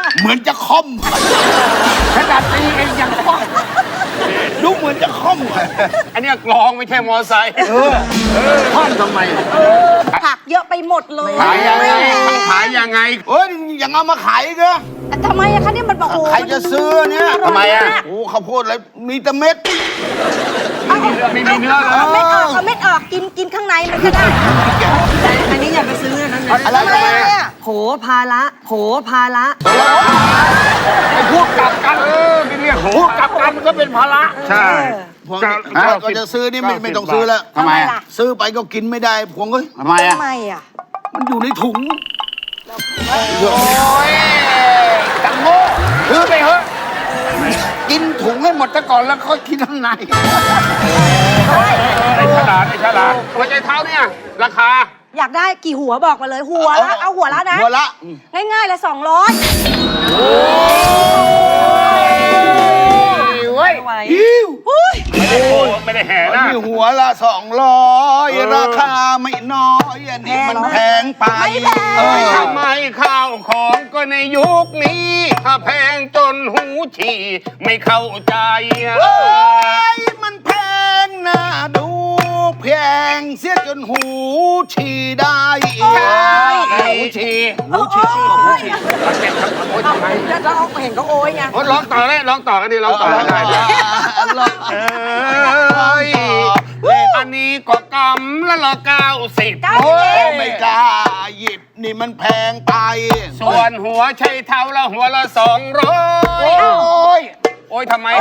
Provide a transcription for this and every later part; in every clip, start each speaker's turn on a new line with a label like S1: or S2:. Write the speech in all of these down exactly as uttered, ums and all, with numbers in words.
S1: เหมือนจะค่อมขนาดตีเองยังค่อมดูเหมือนจะค่อม
S2: อันนี้กลองไม่ใช่มอไซค์
S1: ค่อมทำไม
S3: ผักเยอะไปหมดเลย
S2: ขายยังไงขายยังไง
S1: เอ้ยยังเอามาขายก็
S3: ทำไมอะคะเนี่ยมันบอกโอ้
S1: ใครจะซื้อเนี่ย
S2: ทำไมอะ
S1: โอ้ข้าวโพดอะไรมีแต่เม็ด
S2: ไม่มีเนื้อไม่มีเนื้อเลย
S3: เอาเม็ดออกเอาเม็ดออกกินกินข้างในมันก็ได้อันนี้อย่าไปซื้อนะ
S1: อะไรเนี่ย
S3: โผภาระโผภาระ
S1: ไอ้พูดกลับกันเออไม่เรียกพูดกลับกันก็เป็นภาระ
S2: ใช่
S1: พวงก็จะซื้อนี่ไม่ไม่ต้องซื้อแล้ว
S3: ทำไมล่ะ
S1: ซื้อไปก็กินไม่ได้พวงก็
S2: ทำไมอ่ะ
S3: ทำไมอ่ะ
S1: มันอยู่ในถุงโอ้ยจังโง่ซื้อไปเถอะกินถุงให้หมดซะก่อนแล้วค่อยกินข้างใน
S2: ไอ้ฉลาดไอ้ฉลาดหัวใจเท้าเนี่ยราคา
S3: อยากได้กี่หัวบอกมาเลยหัวละเอาหัวละนะ
S1: หัวละ
S3: ง่ายๆละสองร้อย
S1: เว้ยอิ้ว
S2: ไม่ได้โไม่ได้แห่นะ
S1: หัวละสองร้อยราคาไม่น้อยอันนี้มันแพงไป
S2: ทำไมข้าวของก็ในยุคนี้ถ้าแพงจนหูฉี่ไม่เข้าใจ
S1: มันแพงน่าดูแพงเสียจนหูฉี่ได้
S2: หูฉี่
S1: หูฉี่หูฉี่
S3: ทำไมแล้วเราเห็นเขาโอยไง
S2: ร้องต่อเลยร้องต่อกันดิร้องต่อกันได้อันนี้ก็กำละละเก้าสิบ
S1: โอ้ไม่กล้าหยิบนี่มันแพงไป
S2: ส่วนหัวใช้เท้าละหัวละสองร้อย
S1: โอ้ย
S2: โอ้ยทำไม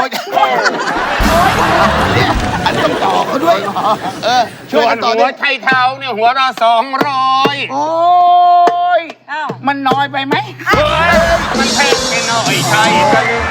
S1: เนี่ยอันต้องต่อเขาด้วยเออ
S2: ช่วยกันต่อหัวใช้เท้าเนี่ยหัวละสองร้อย
S1: โอ้ยมันน้อยไปไหม
S2: มันแพงไปหน่อยใช่กันไหม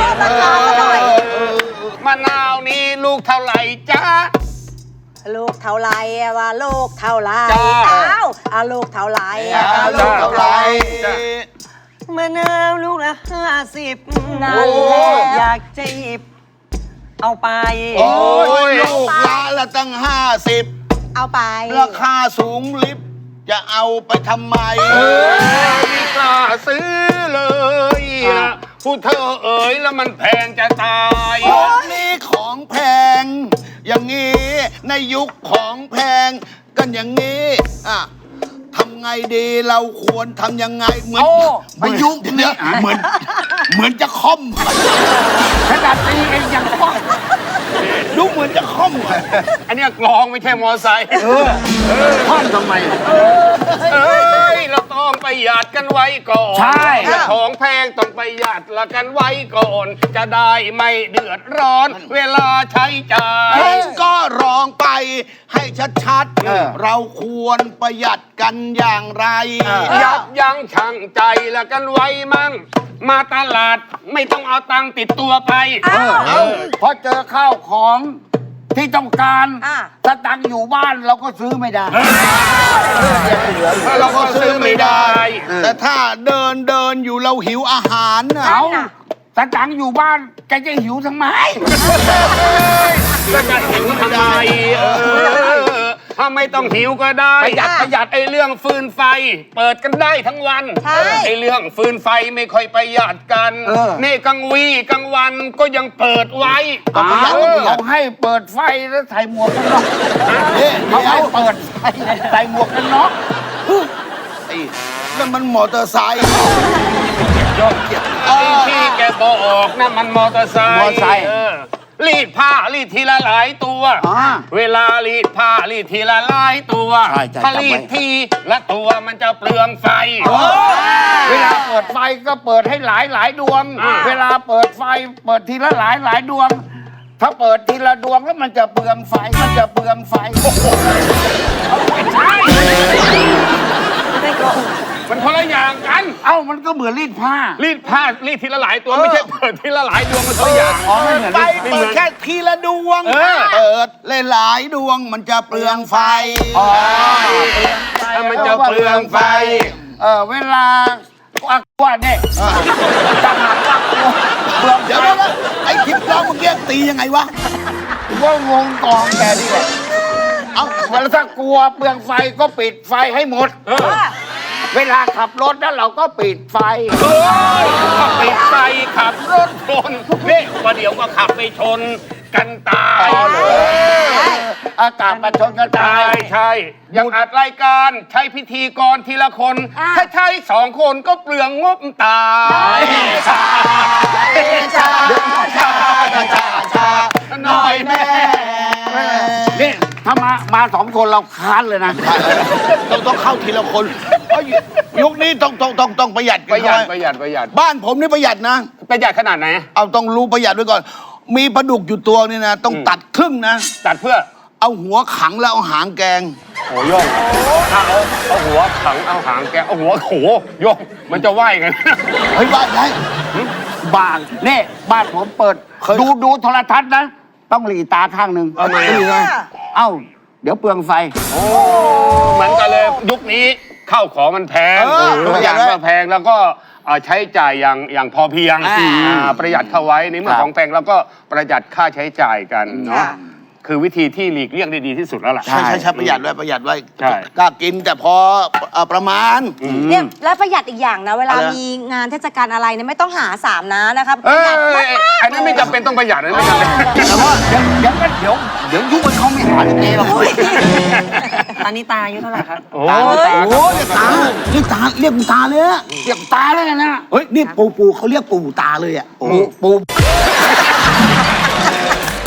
S2: มะนาวนี่ลูกเท่าไหร่จ๊ะ
S3: ลูกเท่าไรว่าลูกเท่าไรอ้าวอาลูกเท่าไร
S1: ลูกเท่าไร
S3: มะนาวลูกละห้าสิบนั่นแหละอยากจะหยิบเอาไป
S1: โอ้ยลูกละละตั้งห้าสิบ
S3: เอาไป
S1: ราคาสูงลิบจะเอาไปทำไม
S2: ไม่กล้าซื้อเลยผู้เธอเอ๋ยแล้วมันแพงจะตาย
S1: นี่ของแพงอย่างนี้ในยุคของแพงกันอย่างนี้อ่ะทำไงดีเราควรทำยังไงเหมือนประยุกต์เนี่ยเหมือนเหมือนจะค่อมขนาดตีเองยังค่อมดูเหมือนจะค่อม
S2: อันนี้กลองไม่ใช่มอไซค์
S1: ค่อมทำไม
S2: เอ้ยเราต้องประหยัดกันไว้ก่อน
S1: ใช่
S2: ของแพงต้องประหยัดละกันไว้ก่อนจะได้ไม่เดือดร้อนเวลาใช้จ่าย
S1: ก็ร้องไปให้ชัดๆเราควรประหยัดกันอย่างไร
S2: ยับยั้งชั่งใจละกันไว้มั่งมาตลาดไม่ต้องเอาตังค์ติดตัวไป
S1: เพราะเจอข้าวของที่ต้องการถ้าตังค์อยู่บ้านเราก็ซื้อไม่ได้
S2: เราก็ซื้อไม่ได้
S1: แต่ถ้าเดินเดินอยู่เราหิวอาหารเอาถ้าตังค์อยู่บ้านแกจะหิวทำไม
S2: ก็จะหิวทำไมถ้าไม่ต้องหิวก็ได้ประหยัดประหยัดไอ้เรื่องฟืนไฟเปิดกันได้ทั้งวันไอ้เรื่องฟืนไฟไม่ค่อยประหยัดกันนี่กลางวีกลางวันก็ยังเปิดไว้
S1: เขาให้เปิดไฟแล้วใส่หมวกกันน็อกเขาให้เปิดไฟใส่หมวกกันน็อกนั่นมันมอเตอร์ไซค์
S2: ยอดเกียรติที่แกบอกนั่นมันมอเตอร์ไซค์รีดผ้ารีดทีละหลายตัวเวลารีดผ้ารีดทีละหลายตัวถ้ารีดทีละตัวมันจะเปลืองไฟ
S1: เวลาเปิดไฟก็เปิดให้หลายหลายดวงเวลาเปิดไฟเปิดทีละหลายหลายดวงถ้าเปิดทีละดวงแล้วมันจะเปลืองไฟมันจะเปลืองไฟ
S2: ไม่ใช่มันคนละอย่างกัน
S1: เอ้ามันก็เหมือนรีดผ้า
S2: รีดผ้ารีดทีละหลายตัวไม่ใช่เปิดทีละหลายดวงมันคนละอย่าง
S1: อ๋อไม่เหมือนไฟเปิดแค่ทีละดวงเปิดหลายดวงมันจะเปลืองไฟอ๋อ
S2: มันจะเปลืองไฟ
S1: เออเวลาอักว่าเนี่ยจังหวะอักว่าเปลืองเดี๋ยวนะไอ้คลิปเราเมื่อกี้ตียังไงวะว่างงกองแกนี่แหละเอาเวลาถ้ากลัวเปลืองไฟก็ปิดไฟให้หมด
S4: เวลาขับรถแล้วเราก็ปิดไฟ
S2: เฮ้ยขับไปไฟขับรถชนนี่ประเดี๋ยวก็ขับไปชนกันตาย
S4: อากาศมาชนกันตา
S2: ใช่
S4: ย
S2: ใช่อย่างอัดรายการใช้พิธีกรทีละคน ถ้าใช้สองคนก็เปลืองงบตายหน่อยแม่
S4: นี่ถ้ามามาสองคนเราค้านเลยนะ
S1: ต้องต้องเข้าทีละคนเพราะยุคนี้ต้องต้องต้องต้องประหยัด
S2: ป
S1: กัน
S2: ระหยัด
S1: เข้า
S2: ป
S1: ไว้
S2: ระหยัดประหยัด
S1: บ้านผมนี่ประหยัดนะ
S2: ประหยัดขนาดไหน
S1: เอาต้องรู้ประหยัดไว้ก่อน มีปลาดุกอยู่ตัวนี่นะ ต้อง
S2: อืม
S1: ตัดครึ่งนะ
S2: ตัดเพื่อ
S1: เอาหัวขังแล้วเอาหางแกง
S2: โอ้โยงถ้าเอาเอาหัวขังเอาหางแกเอาหัวโขโยงมันจะไหวกัน
S1: เฮ้ยบ้านไหน
S4: บ้านนี่บ้านผมเปิด
S1: เคย
S4: ดูดูโทรทัศน์นะ ต้องหลีตาข้างหนึ่ง
S2: ทำไมอะ
S4: เอ้า เดี๋ยวเปลืองไฟ
S2: โอ้เหมือนกันเลยยุคนี้ข้าวของมันแพง
S1: เออ
S2: ทุกอย่างก็แพงแล้วก็เอ่อใช้จ่ายอย่างอย่างพอเพียง
S4: อ่า
S2: อ่าประหยัดเข้าไว้ในเมื่อ
S4: ครับ
S2: ของแพงเราก็ประหยัดค่าใช้จ่ายกันเนาะ
S5: ค่ะ
S2: คือวิธีที่หลีกเลี่ยงได้ดีที่สุดแล้วล่ะ
S1: ใช่ใช่ใช่ประหยัดไว้ประหยัดไว้
S2: ใช่
S1: กล้ากินแต่พอเอ่อประมาณ
S5: เนี่ยแล้วประหยัดอีกอย่างนะ เวลา
S1: อะไรนะ
S5: มีงานเทศกาลอะไรเนี่ยไม่ต้องหาสามนะนะครับ
S2: เอ
S5: ประหยัด
S2: อ
S5: มากๆ
S2: อันนั้นไม่จำเป็นต้องประหยัดนะไม่จำเป็น
S4: แต่ว่าเดี๋ยวเดี๋ยวก็เดี๋ยวเดี๋ยวยุคมันเขาไม่หาเองหรอก
S3: ตอนนี้ตาอายุเท่าไหร่ครับ
S2: โอ้
S1: โอ้ยตาเรียกตาเรียกตาเลยอะ
S4: เก็บตาเลยนะ
S1: เฮ้ยนี่ปูปูเขาเรียกปูตาเลยอะ
S4: ปูปู